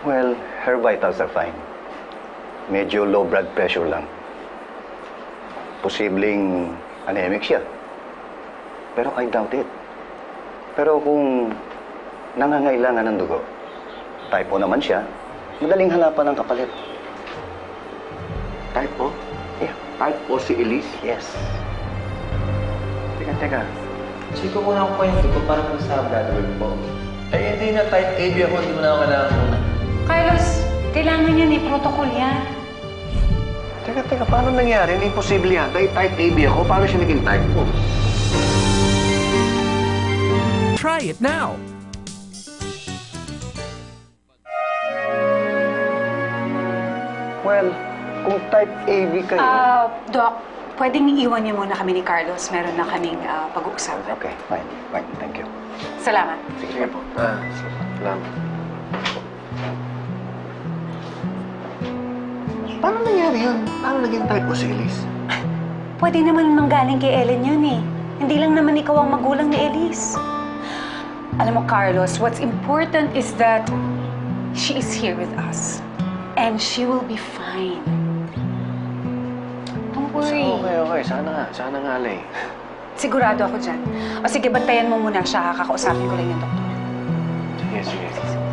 Well, her vitals are fine. Medyo low blood pressure lang. Posibleng anemic siya. Pero I doubt it. Pero kung nangangailangan ng dugo, type O naman siya, madaling hanapan ng kapalit. Type O? Yeah. Type O si Elise? Yes. Teka. Check ko muna ako yung dugo para po sa blood work po. Eh, hindi na type AB ako. Hindi mo na ako kailangan muna. Carlos, kailangan yan eh. Protocol yan. Teka. Paano nangyari? Imposible yan. Dahil type AB ako, paano siya naging type O? Try it now. Well, kung type AB kayo... Doc, pwedeng iiwan niyo muna kami ni Carlos. Meron na kaming pag-uusapan. Okay, fine. Thank you. Salamat. Sige po. Salamat. Paano nangyari yun? Paano naging type O si Elise? Pwede naman manggaling kay Ellen yun eh. Hindi lang naman ikaw ang magulang ni Elise. Alam mo, Carlos, what's important is that she is here with us. And she will be fine. Don't worry. Okay. Sana nga, Lay. Sigurado ako dyan. O sige, bantayan mo muna siya. Kakausapin ko lang yung doktor. Sige.